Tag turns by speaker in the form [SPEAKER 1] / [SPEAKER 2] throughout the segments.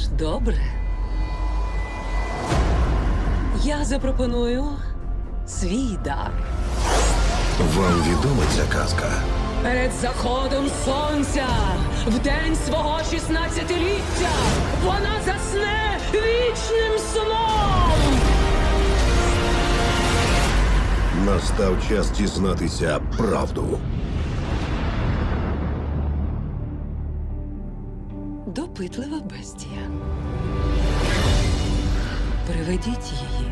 [SPEAKER 1] добре. Я запропоную свій дар.
[SPEAKER 2] Вам відома ця казка?
[SPEAKER 1] Перед заходом сонця, в день свого 16-ліття, вона засне вічним сном.
[SPEAKER 2] Настав час дізнатися правду.
[SPEAKER 1] Допитлива бестія. Приведіть її.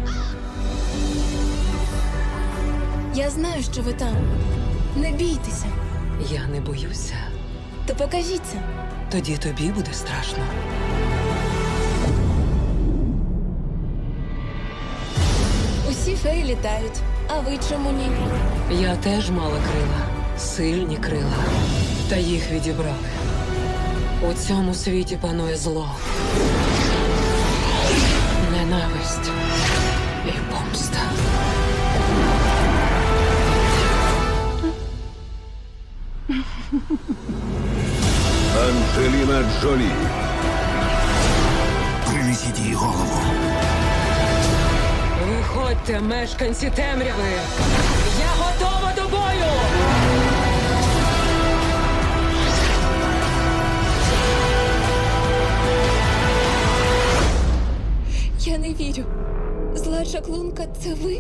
[SPEAKER 3] Я знаю, що ви там. Не бійтеся.
[SPEAKER 1] Я не боюся.
[SPEAKER 3] То покажіться.
[SPEAKER 1] Тоді тобі буде страшно.
[SPEAKER 3] Усі феї літають. А ви чому ні?
[SPEAKER 1] Я теж мала крила. Сильні крила. Та їх відібрали. У цьому світі панує зло. Ненависть і помста.
[SPEAKER 2] Анджеліна Джолі.
[SPEAKER 4] Принесіть їй голову.
[SPEAKER 1] Виходьте, мешканці темряви! Я готова до бою!
[SPEAKER 3] Я не вірю. Зла чаклунка – це ви?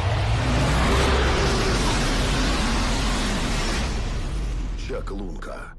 [SPEAKER 2] Чаклунка.